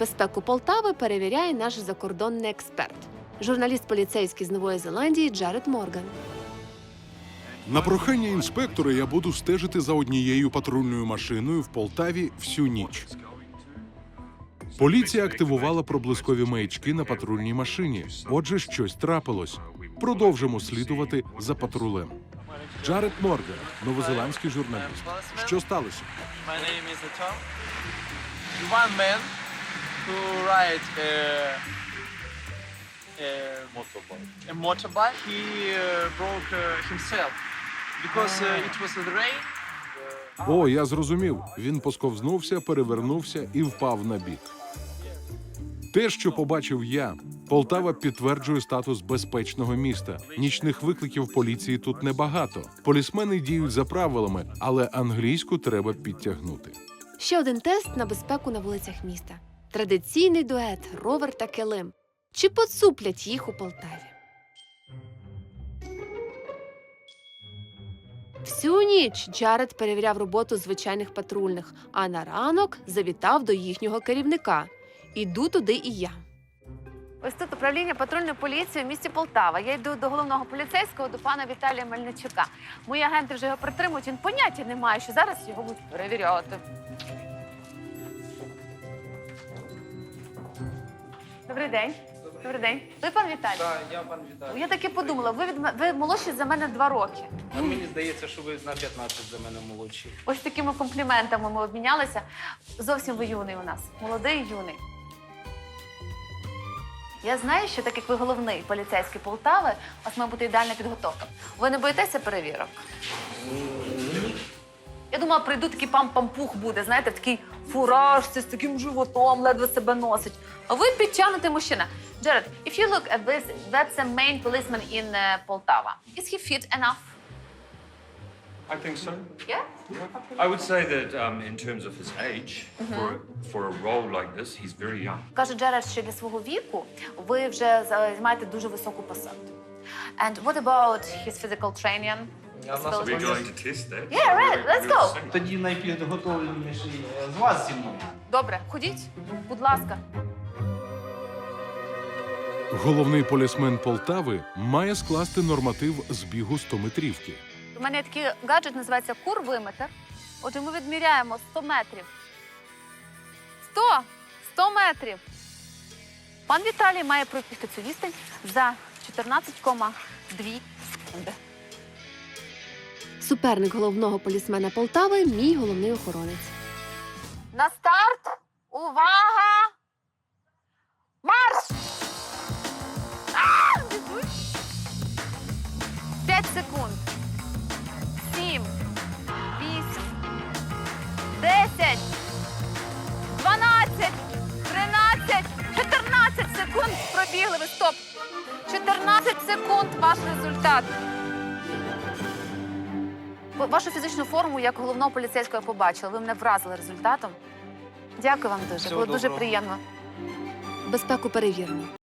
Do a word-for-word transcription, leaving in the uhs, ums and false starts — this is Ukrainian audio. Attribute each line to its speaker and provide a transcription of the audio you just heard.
Speaker 1: Безпеку Полтави перевіряє наш закордонний експерт. Журналіст поліцейський з Нової Зеландії Джаред Морган.
Speaker 2: На прохання інспектора я буду стежити за однією патрульною машиною в Полтаві всю ніч. Поліція активувала проблискові маячки на патрульній машині. Отже, щось трапилось. Продовжимо слідувати за патрулем. Джаред Морган, новозеландський журналіст. Що сталося?
Speaker 3: My name is Tom. One man who ride a, a motorbike. A motorbike. He uh, broke uh, himself because uh, it was the rain.
Speaker 2: О, я зрозумів. Він посковзнувся, перевернувся і впав на бік. Те, що побачив я, Полтава підтверджує статус безпечного міста. Нічних викликів поліції тут небагато. Полісмени діють за правилами, але англійську треба підтягнути.
Speaker 1: Ще один тест на безпеку на вулицях міста. Традиційний дует «Ровер та килим». Чи поцуплять їх у Полтаві? Всю ніч Джаред перевіряв роботу звичайних патрульних, а на ранок завітав до їхнього керівника. Іду туди і я. Ось тут управління патрульної поліції в місті Полтава. Я йду до головного поліцейського, до пана Віталія Мельничука. Мої агенти вже його притримують, він поняття не має, що зараз його будуть перевіряти. Добрий день. Добрий день. Ви пан Віталій?
Speaker 4: Так, я пан Віталій.
Speaker 1: Я так і подумала, ви, від... м- ви молодші за мене два роки.
Speaker 4: А мені здається, що ви на п'ятнадцять за мене молодші.
Speaker 1: Ось такими компліментами ми обмінялися. Зовсім ви юний у нас. Молодий і юний. Я знаю, що так як ви головний поліцейський Полтави, у вас має бути ідеальна підготовка. Ви не боїтеся перевірок? Я думала, прийду, такий пам-пампух буде, знаєте, в такій фуражці, з таким животом, ледве себе носить. А ви підтягнутий мужчина. Jared, if you look at this, that's the main policeman in uh, Poltava. Is he fit enough?
Speaker 5: I think so.
Speaker 1: Yeah?
Speaker 5: I would say that um, in terms of his age, for, for a role like this, he's very young.
Speaker 1: Каже Джеред, що для свого віку ви вже займаєте дуже високу посаду. And what about his physical training?
Speaker 4: Я в нас
Speaker 5: We're
Speaker 4: обов'язково.
Speaker 5: going to test that.
Speaker 1: Yeah, right, let's
Speaker 5: We'll
Speaker 1: go.
Speaker 5: see.
Speaker 4: Тоді найпідготовленіший з вас зі мною.
Speaker 1: Добре, ходіть, будь ласка.
Speaker 2: Головний полісмен Полтави має скласти норматив збігу стометрівки.
Speaker 1: У мене є такий гаджет, називається курвиметр. Отже, ми відміряємо сто метрів. сто! сто метрів! Пан Віталій має пробігти цю відстань за чотирнадцять цілих дві секунди. Суперник головного полісмена Полтави – мій головний охоронець. На старт! Увага! Марш! А! Біжуть! П'ять секунд. Сім, вісім, десять, дванадцять, тринадцять, чотирнадцять секунд пробігли ви. Стоп! чотирнадцять секунд ваш результат. Вашу фізичну форму як головного поліцейського я побачила. Ви мене вразили результатом. Дякую вам дуже.
Speaker 4: Всього
Speaker 1: Було дуже
Speaker 4: доброго.
Speaker 1: приємно. Безпеку перевірено.